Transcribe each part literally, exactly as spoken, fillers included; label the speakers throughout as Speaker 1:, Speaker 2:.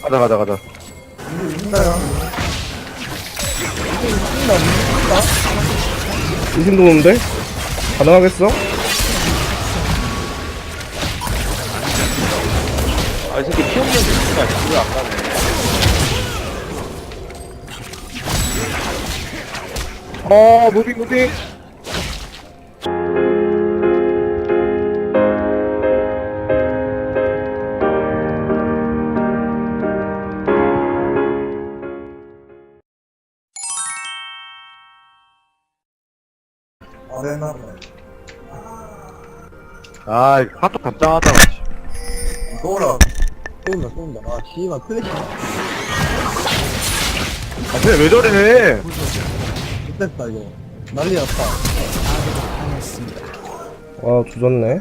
Speaker 1: 가자 가자 가자.
Speaker 2: 이신도 오는데? 가능하겠어?
Speaker 1: 아 이 새끼 피 없는 새끼가 집을 안 가네. 어 무빙 무빙.
Speaker 3: 어렸나 보네.
Speaker 1: 아 카톡 답장하다가.
Speaker 3: 또 올라가.
Speaker 4: 쏜다 쏜다. 아 씨발 플래시
Speaker 1: 아 쟤네 왜 저래?
Speaker 4: 됐다 이거. 난리 났다.
Speaker 2: 와 조졌네.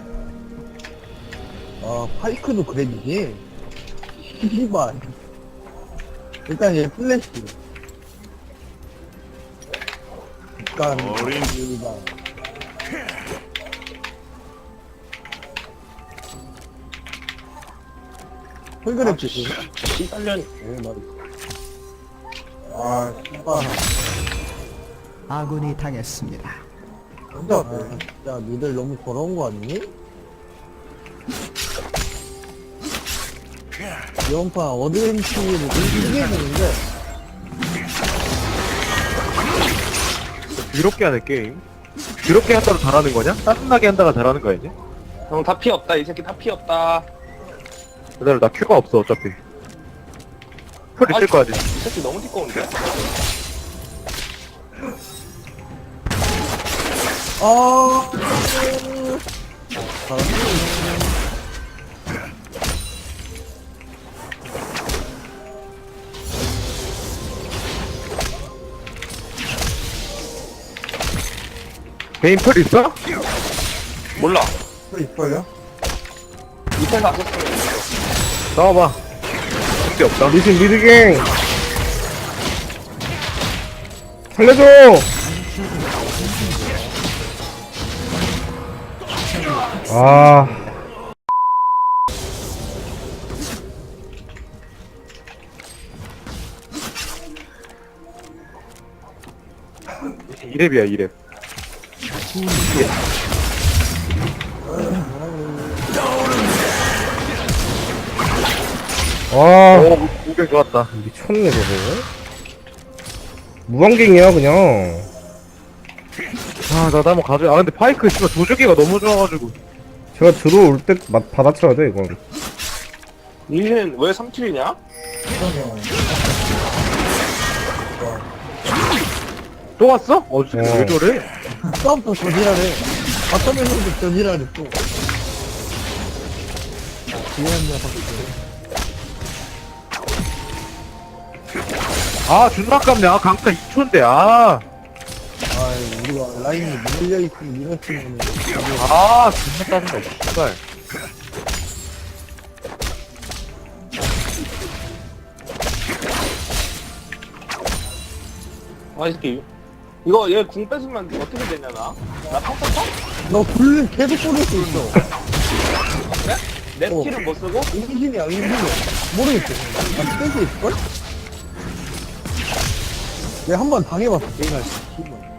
Speaker 4: 아 파이크도 그래지지. 씨발. 일단 얘 플래시. 일단
Speaker 5: 어린
Speaker 4: 여기다. 홀그랩 주시.
Speaker 1: 씨발년.
Speaker 4: 오 말이.
Speaker 3: 아,
Speaker 4: 씨발.
Speaker 6: 아군이 당했습니다.
Speaker 3: 혼자
Speaker 4: 아
Speaker 3: 어때?
Speaker 4: 진짜 니들 너무 더러운 거 아니니? 이번 판 어드벤치를 좀 크게 해주는데
Speaker 1: 더럽게 하는 게임. 더럽게 한다고 잘하는 거냐? 짜증나게 한다가 잘하는 거야 이제?
Speaker 7: 형 다 피 없다 이 새끼 다 피 없다.
Speaker 1: 그대로 나 큐가 없어 어차피. 풀 있을 거야
Speaker 7: 이
Speaker 1: 지
Speaker 7: 새끼 너무 띠꺼운데?
Speaker 4: 아
Speaker 1: 개인 풀 있어?
Speaker 7: 몰라.
Speaker 3: 또 이뻐요?
Speaker 7: 밑에서 안 썼으면
Speaker 1: 나와봐. 쓸데 없다.
Speaker 2: 미신 미드갱! 살려줘! 아.
Speaker 1: 이랩이야 이랩.
Speaker 2: 아.
Speaker 1: 오 무빙 좋았다.
Speaker 2: 미쳤네 저거. 무한갱이야 그냥.
Speaker 1: 아나 한번 가져. 아 근데 파이크 씨발 조주기가 너무 좋아가지고.
Speaker 2: 제가 들어올 때 맛 받아쳐야 돼 이건.
Speaker 7: 니는 왜 삼 킬이냐?
Speaker 1: 또 왔어? 어 진짜
Speaker 2: 어.
Speaker 1: 왜 저래?
Speaker 4: 싸움도 저지랄해. 바텀에서도 저지랄해 또. 귀여운 녀석들.
Speaker 1: 아 존나 깝네. 아 강타 이 초인데 아.
Speaker 4: 아 우리가 라인이 밀려있으면 밀었으면
Speaker 1: 아 존나 짜증나 씨발.
Speaker 7: 아 이 새끼 이거 얘 궁 뺏으면 어떻게 되냐 나? 나 평타 쳐?
Speaker 4: 너 굴 계속 쏠릴 수 있어.
Speaker 7: 그래? 내
Speaker 4: 어.
Speaker 7: 스킬은 못 쓰고?
Speaker 4: 인신이야 인신이야. 모르겠어. 나 스탠스 있을걸? 내가 한 번 당해봤어 게임할 때. 씨발.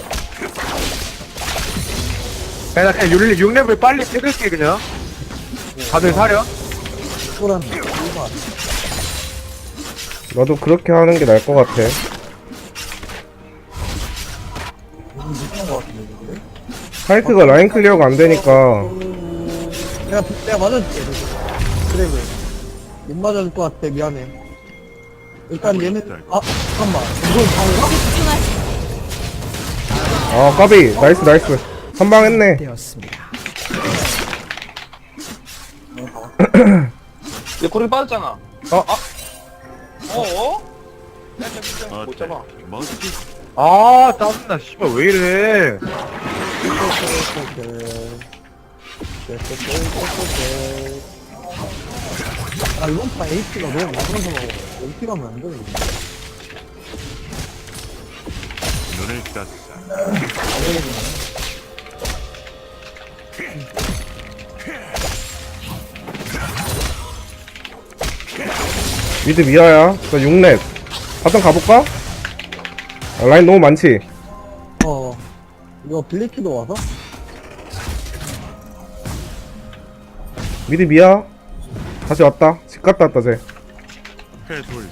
Speaker 1: 그냥 그냥 육 레벨 빨리 찍을게 그냥. 다들 사려?
Speaker 4: 쏠았네. 씨발.
Speaker 2: 나도 그렇게 하는 게 나을 것 같아. 파이크가 라인 클리어가 안 되니까.
Speaker 4: 내가 내가 맞아줄게. 그래 그래. 못 맞아줄 것 같아. 미안해. 일단 얘는 아 잠깐만. 이걸 방가?
Speaker 2: 아 까비 나이스 나이스. 한방 했네.
Speaker 6: 되었습니다.
Speaker 7: 얘 고리 빠졌잖아.
Speaker 1: 어?
Speaker 7: 아? 어어? 야, 야, 야, 못 잡아.
Speaker 5: 멋지.
Speaker 1: 아 짜증나 씨발 왜 이래.
Speaker 4: 아 이번 판 에이치가 너무 많아서 에이치 가면 안 되는 거야.
Speaker 5: 눈을 떴어.
Speaker 2: 미드 미아야. 나 육 렙. 바텀 가볼까? 아, 라인 너무 많지?
Speaker 4: 어. 이거 블리키도 와서?
Speaker 2: 미드 미아. 다시 왔다. 집 갔다 왔다, 쟤.
Speaker 5: 해돌며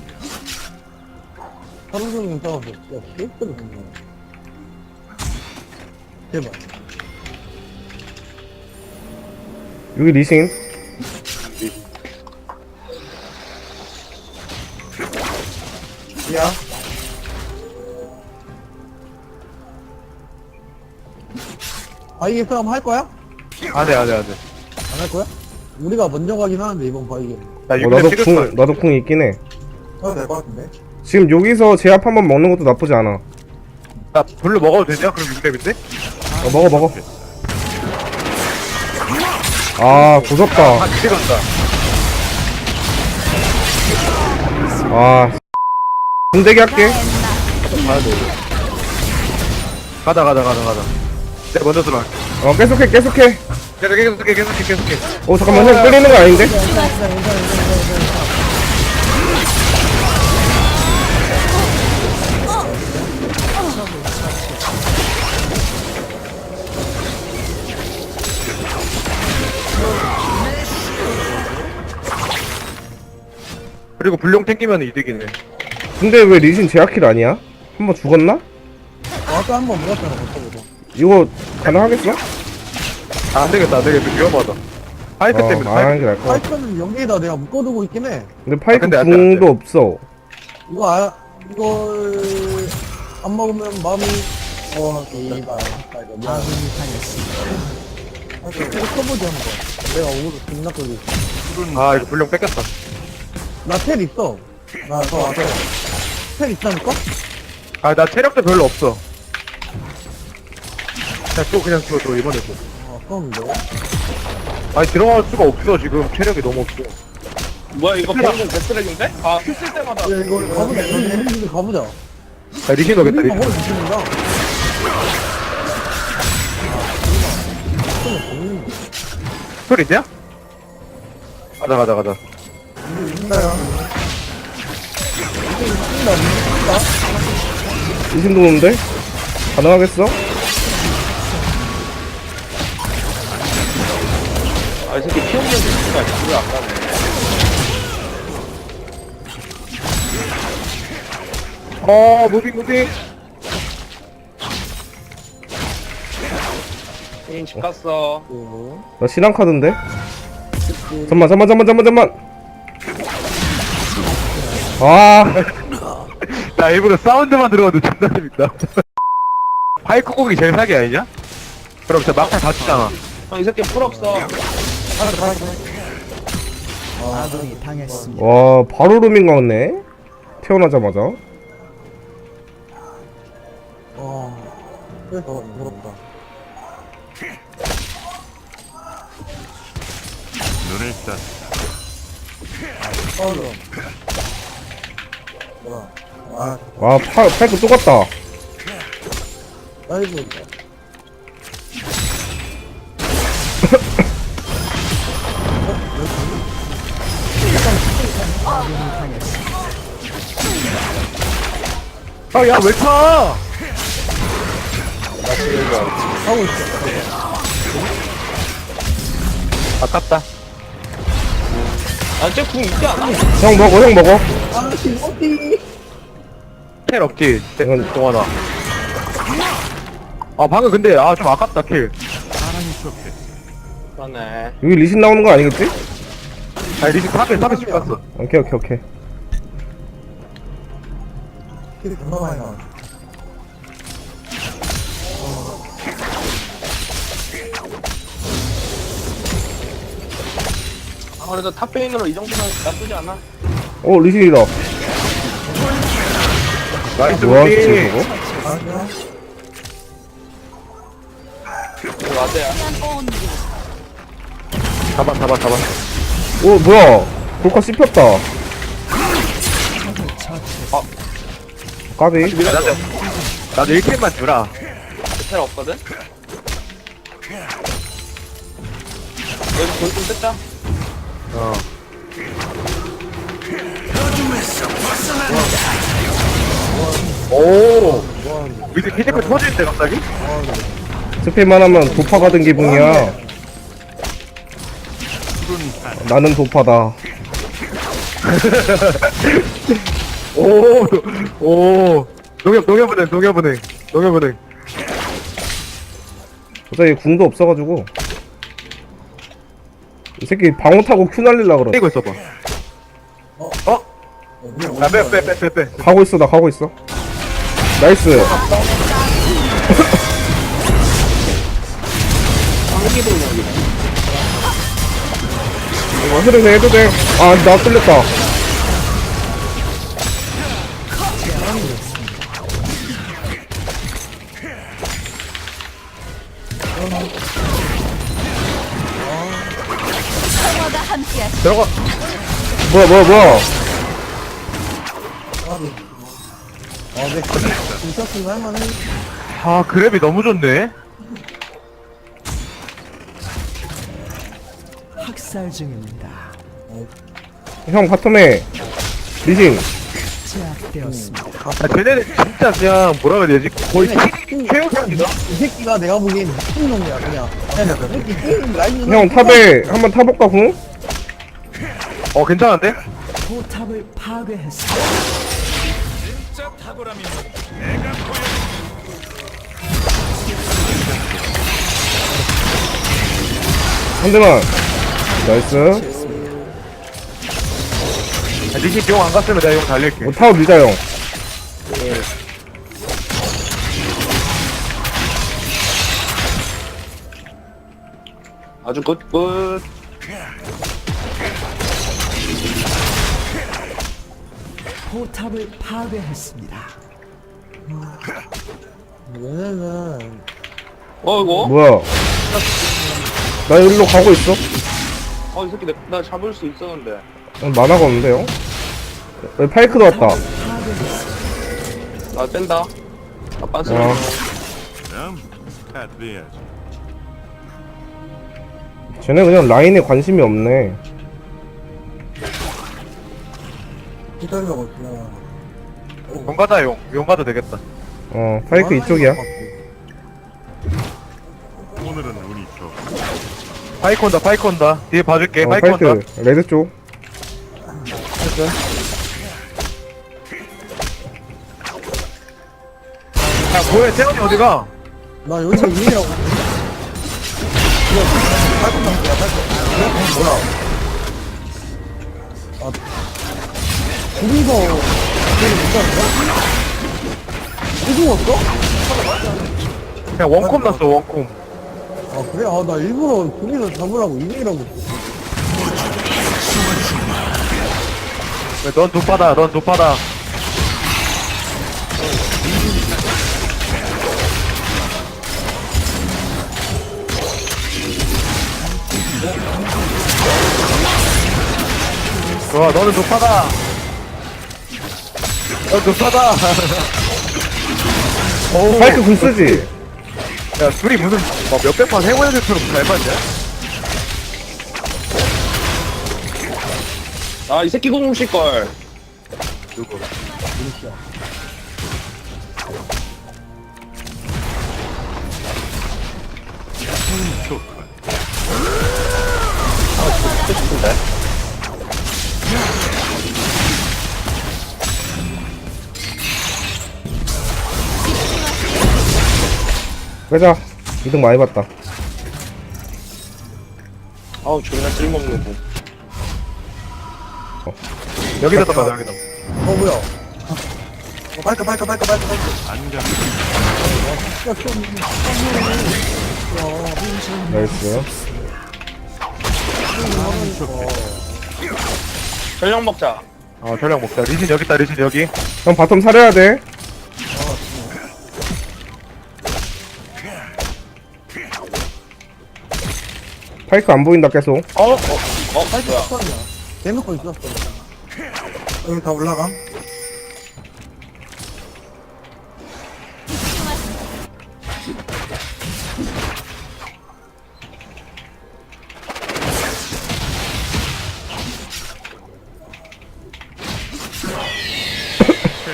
Speaker 4: 하루 종일 싸워서. 야, 실수를 했네. 제발.
Speaker 2: 여기 리신.
Speaker 3: 야,
Speaker 4: 바이게 싸움 할 거야?
Speaker 1: 안돼 안돼 안돼.
Speaker 4: 안 할 거야? 우리가 먼저 가긴 하는데, 이번 바이게.
Speaker 1: 나
Speaker 2: 어,
Speaker 1: 육
Speaker 2: 나도
Speaker 1: 렙 찍을 거야.
Speaker 2: 궁, 나도 궁 있긴 해.
Speaker 3: 해도 될 것 같은데?
Speaker 2: 지금 여기서 제압 한번 먹는 것도 나쁘지 않아.
Speaker 1: 나 별로 먹어도 되냐? 그럼 육 렙인데?
Speaker 2: 어, 먹어, 먹어. 아, 고섭다.
Speaker 1: 아 기대 간다.
Speaker 2: 아, 궁대기 할게.
Speaker 1: 가야 돼. 가자 가자 가자 가자. 내가 먼저 들어갈게.
Speaker 2: 어, 계속해, 계속해.
Speaker 1: 계속 계속 계속 계속 계속해.
Speaker 2: 어, 잠깐만, 형 끌리는 거 아닌데?
Speaker 1: 그리고 불룡 땡기면 이득이네.
Speaker 2: 근데 왜 리신 제압킬 아니야? 한번 죽었나?
Speaker 4: 어, 아까 한 번 물었잖아, 벌써부터.
Speaker 2: 이거 가능하겠어?
Speaker 1: 아, 안 되겠다 안 되겠다 위험하다. 파이프
Speaker 2: 어,
Speaker 1: 때문에
Speaker 2: 안 하는
Speaker 1: 파이프.
Speaker 2: 게 나을 것 같아.
Speaker 4: 파이프는 여기에다 내가 묶어두고 있긴 해.
Speaker 2: 근데 파이프
Speaker 1: 아, 근데 안 돼, 안
Speaker 2: 궁도
Speaker 1: 돼.
Speaker 2: 없어.
Speaker 4: 이거, 아, 이걸, 안 먹으면 마음이, 어, 이발. 아군이 이거 쳐보지 한 번. 내가 오늘 존나 끌리
Speaker 1: 아 이거 불룡 뺏겼다.
Speaker 4: 나텔 있어.
Speaker 3: 나, 저, 앞에.
Speaker 4: 텔 있다니까?
Speaker 1: 아 나 체력도 별로 없어. 그냥 또 그냥 또, 또 이번에 또.
Speaker 4: 아, 아까운데.
Speaker 1: 아니 들어갈 수가 없어 지금 체력이 너무 없어.
Speaker 7: 뭐야 이거 방금 데스렉인데? 아 큐쓸 때마다
Speaker 4: 야, 이거 가보자. 우리 우리 가보자.
Speaker 1: 아 리신 넣겠다
Speaker 4: 우리가
Speaker 1: 리신.
Speaker 4: 허리 주신다.
Speaker 1: 소리 있냐? 가자 가자 가자.
Speaker 2: 리신도 오는데? 가능하겠어?
Speaker 7: 아 이 새끼 피 없는 데스가 집을 안 가네.
Speaker 1: 어 무빙 무빙.
Speaker 7: 게임 집 갔어.
Speaker 2: 나 신한 카드인데? 잠만, 잠만, 잠만, 잠만, 잠만. 아,
Speaker 1: 나 일부러 사운드만 들어가도 존나 재밌다. 파이크 곡이 제일 사기 아니냐? 그럼 진짜 막판 다 치잖아.
Speaker 7: 형 이 새끼 풀 없어.
Speaker 2: 와, 바로 루밍 가네? 태어나자마자.
Speaker 4: 어. 그래서 무섭다.
Speaker 5: 눈을 떴다.
Speaker 3: 아,
Speaker 2: 와, 파, 파이크 또 갔다.
Speaker 4: 아이고.
Speaker 1: 아 야 왜 차?
Speaker 4: 하고 있어.
Speaker 1: 아깝다.
Speaker 7: 아쟤궁 있지 않아?
Speaker 2: 형 먹어, 형 먹어.
Speaker 4: 아, 신호띠.
Speaker 1: 텔 없지.
Speaker 2: 이건-
Speaker 1: 동원아. 아 방금 근데 아 좀 아깝다 킬.
Speaker 7: 그러네.
Speaker 2: 여기 리신 나오는 거 아니겠지?
Speaker 1: 아니 리신 탑에 탑에 집 갔어.
Speaker 2: 오케이, 오케이, 오케이.
Speaker 3: 킬이 존나 많이 나와.
Speaker 7: 아 그래도 탑페인으로 이 정도면 나쁘지 않아.
Speaker 2: 어, 리신이다.
Speaker 1: 나이스
Speaker 2: 뭐야,
Speaker 1: 무빙.
Speaker 2: 진짜 저거?
Speaker 7: 이거 맞아야.
Speaker 1: 잡아 잡아 잡아.
Speaker 2: 어, 뭐야. 볼카 씹혔다.
Speaker 1: 어.
Speaker 2: 까비.
Speaker 1: 나도 나도 일 킬만 주라.
Speaker 7: 텔 없거든? 여기 돌좀 뜯자.
Speaker 1: 어. 오 밑에 피지컬 터지는데 갑자기?
Speaker 2: 스피만 하면 도파 받은 기분이야. 나는 도파다.
Speaker 1: 오, 오, 농협, 농협은행, 농협은행, 농협은행.
Speaker 2: 어차피 궁도 없어가지고. 이 새끼 방어 타고 큐 날릴라 그래.
Speaker 1: 이거 있어봐. 어? 야, 빼, 빼, 빼, 빼, 빼.
Speaker 2: 가고 있어, 나 가고 있어. 나이스. 이거 흐르네 해도 돼. 아, 나 뚫렸다.
Speaker 1: 들어가.
Speaker 2: 뭐야, 뭐야, 뭐야.
Speaker 4: 아, 네. 있었으면 할만해.
Speaker 1: 아, 그랩이 너무 좋네.
Speaker 6: 학살 중입니다.
Speaker 2: 형, 바텀에 리신.
Speaker 6: 제압되었습니다.
Speaker 1: 아, 쟤네는 진짜 그냥 뭐라 그래야 되지? 거의 최우선이다.
Speaker 4: 이 새끼가 내가 보기엔 미친놈이야, 그냥. 그냥 이 새끼 게임 라인은.
Speaker 2: 형, 탑에 한번 타볼까, 궁?
Speaker 1: 어, 괜찮은데?
Speaker 6: 포탑을 파괴했습니다.
Speaker 2: 한 대만. 나이스.
Speaker 1: 아, 리신 비용 안 갔으면 내가 용 달릴게.
Speaker 2: 뭐, 타워 밀자, 형.
Speaker 7: 아주 굿굿.
Speaker 6: 포탑을 파괴했습니다.
Speaker 4: 얘네는.
Speaker 7: 어 이거?
Speaker 2: 뭐야. 나 여기로 가고 있어.
Speaker 7: 어 이 새끼 내, 나 잡을 수 있었는데.
Speaker 2: 어, 만화가 없는데요? 여기 파이크도 왔다.
Speaker 7: 나 뺀다. 아 빤스.
Speaker 2: 어.
Speaker 5: 그럼 패드해야지.
Speaker 2: 쟤네 그냥 라인에 관심이 없네.
Speaker 3: 기다리려고 있구나.
Speaker 1: 용 가자, 용. 용 가도 되겠다.
Speaker 2: 어, 파이크 이쪽이야.
Speaker 5: 오늘은 운이 좋고
Speaker 1: 파이크 온다, 파이크 온다. 뒤에 봐줄게,
Speaker 2: 어,
Speaker 1: 파이크 온다.
Speaker 2: 파이크. 레드 쪽.
Speaker 1: 야, 뭐해, 태원이 어디가?
Speaker 4: 나 여기가 유일이라고. 아, 둘이서 걔를 못 잡는다? 또 죽었어?
Speaker 1: 그냥 원콤 났어, 원콤.
Speaker 4: 아, 그래? 아, 나 일부러 둘이서 잡으라고 이름이라고.
Speaker 1: 넌 높아다, 넌 높아다. 좋아, 너는 높아다. 넌 높아다. 오,
Speaker 2: 파이크 궁 쓰지?
Speaker 1: 야, 둘이 무슨 막 몇백 판 해보여줄처럼 잘 맞냐?
Speaker 7: 아 이 새끼 공식 걸.
Speaker 1: 누구?
Speaker 5: 좋군.
Speaker 2: 빼자. 이득 많이 봤다.
Speaker 7: 아우 존나 쓸모없는 거.
Speaker 1: 여기다 떠봐, 여기다.
Speaker 4: 어, 뭐야?
Speaker 3: 어, 빨까, 빨까, 빨까, 빨까, 빨까.
Speaker 5: 안경
Speaker 2: 나이스.
Speaker 7: 전력 먹자.
Speaker 1: 어, 전략 먹자. 리신 여기 있다, 리신 여기.
Speaker 2: 형 바텀 사려야 돼. 파이크 안 보인다 계속.
Speaker 7: 어? 어? 어? 뭐야?
Speaker 4: 대놓고 있었어.
Speaker 3: 여기 다 올라감.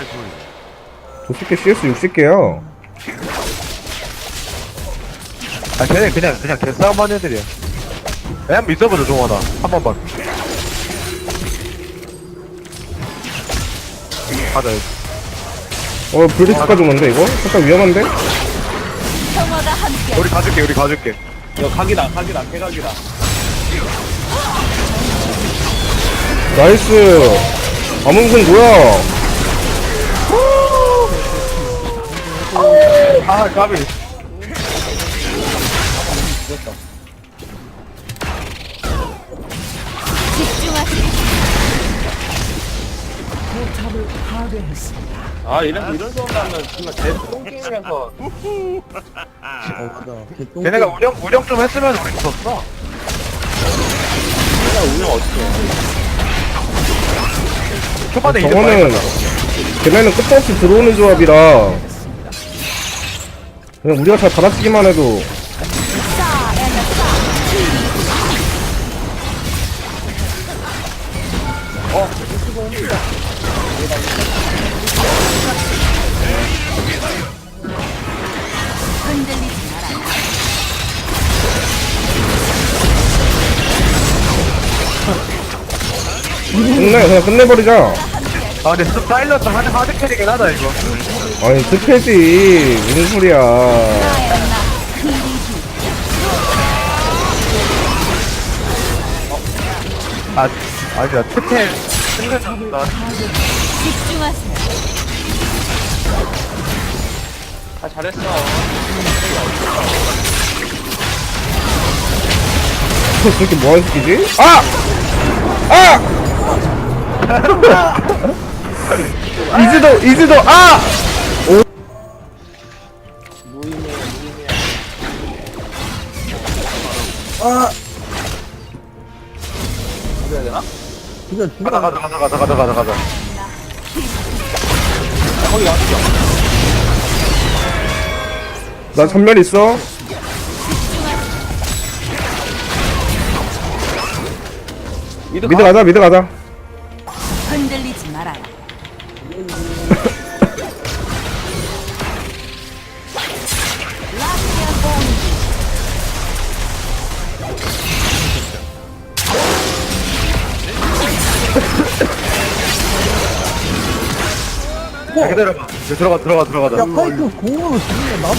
Speaker 5: 보여.
Speaker 2: 도스케 씨에스 육십 개야.
Speaker 1: 아 쟤네 그냥 그냥 개싸움 하는 애들이야. 그냥 믿어보자 종원아 한 번만. 가자.
Speaker 2: 어 블리츠까지 오는데 이거? 살짝 위험한데?
Speaker 1: 우리 가줄게 우리 가줄게.
Speaker 7: 이거 각이다, 각이다, 개각이다.
Speaker 2: 나이스. 아문군 뭐야?
Speaker 1: 아 까비.
Speaker 6: 포탑을 파괴했습니다.
Speaker 7: 아, 이런, 이런 소리 나면 정말 대똥 게임에서.
Speaker 4: 어 맞아. 개똥
Speaker 1: 걔네가 운영 운영 좀 했으면 우리 졌어.
Speaker 7: 진짜 운영 어떻게 해?
Speaker 1: 초반에 이득
Speaker 2: 저거는
Speaker 1: 많이 봤어.
Speaker 2: 걔네는 끝도 없이 들어오는 조합이라 그냥 우리가 잘 받아치기만 해도 끝내 그냥 끝내버리자.
Speaker 1: 아 근데 스 사일러스 하드 하드 캐리긴 하다 이거.
Speaker 2: 아니 스페지 무슨 소리야.
Speaker 1: 아 아니야 트텔 생각나.
Speaker 7: 아, 잘했어.
Speaker 2: 저렇게 뭐하는 새끼지? 아! 아! 이즈도 이즈도 아!
Speaker 7: 무의미해, 무의미해.
Speaker 3: 아
Speaker 7: 어떻게 해야 되나?
Speaker 4: 진짜 진짜
Speaker 1: 가자 가자 가자 가자 가자 가자 가자.
Speaker 7: 거기 왔어.
Speaker 2: 나 전멸 있어.
Speaker 7: 미드
Speaker 2: 미드
Speaker 7: 가.
Speaker 2: 가자 미드 가자.
Speaker 8: 흔들리지 말아라.
Speaker 1: 야, 기다려봐. 이제 들어가 들어가 들어가자.
Speaker 4: 야 파이크 공으로 죽이면 나도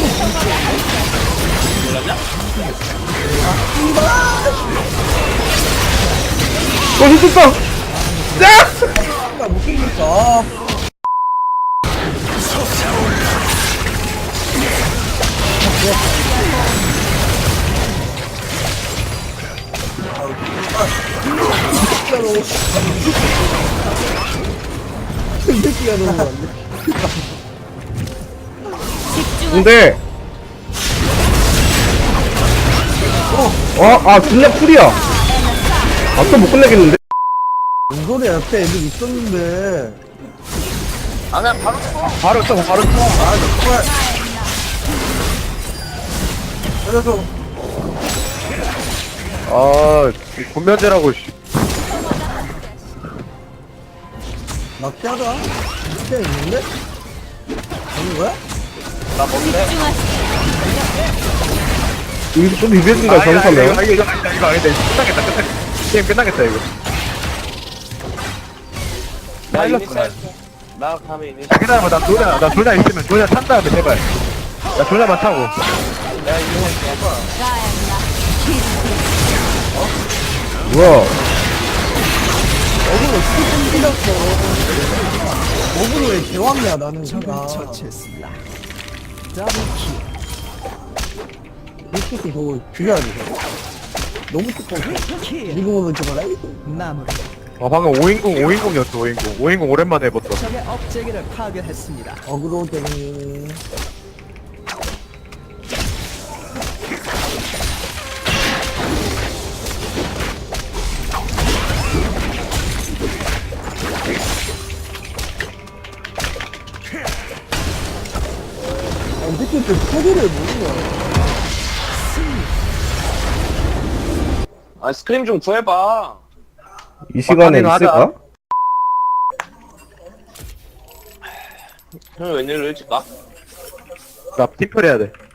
Speaker 2: 어 힘줬다. 야!
Speaker 4: 진짜 못 죽겠다. 이 새끼가 너무 안 돼.
Speaker 2: 근데 어, 아 존나 쿨이야. 아 또 못 끝내겠는데?
Speaker 4: 뭔 소리야 옆에 애들 있었는데.
Speaker 7: 아, 그냥 바로 쳐.
Speaker 1: 바로 쳐 바로 쳐.
Speaker 3: 그래서
Speaker 1: 아 군면제라고 씨.
Speaker 4: 낚시하자. 진짜 있는데? 아닌 거야?
Speaker 7: 나 뭔데?
Speaker 2: 여기서 또 비벼준다
Speaker 1: 아, 이거
Speaker 2: 잘못하면.
Speaker 1: 이거 이거 이거 이거 아니다. 끝나겠다 끝나겠다. 게임 끝나겠다 이거.
Speaker 7: 나
Speaker 1: 사일러스
Speaker 7: 이니셜. 나 가면 이니셜.
Speaker 1: 야, 기다려봐 나 조냐 나 조냐 있으면 조냐 찬 다음에 제발. 나 조냐만 차고.
Speaker 7: 내가 이니셜 해봐.
Speaker 2: 뭐야?
Speaker 4: 어그로 스킨 찔렸어. 어그로 왜 개왔냐 나는
Speaker 6: 적을
Speaker 4: 진짜.
Speaker 6: 처치했습니다. 더블킬.
Speaker 4: 이 새끼 저거 죽여야 돼. 저거. 너무 두꺼워.
Speaker 6: 킬.
Speaker 4: 지금은 저거 라이트.
Speaker 6: 마무리.
Speaker 1: 어 방금 오인공 오인공이었어 오인공. 오인공 오랜만에 해봤어.
Speaker 6: 적의 업체계를 파괴했습니다.
Speaker 4: 어그로 때문에. 아, 이 새끼 또 소리를 모르는 거야.
Speaker 7: 아, 스크림 좀 구해봐.
Speaker 2: 이 시간에
Speaker 1: 막판에는 하자.
Speaker 2: 있을까?
Speaker 7: 형이 웬일로 일찍 가?
Speaker 1: 나 팀플 해야 돼.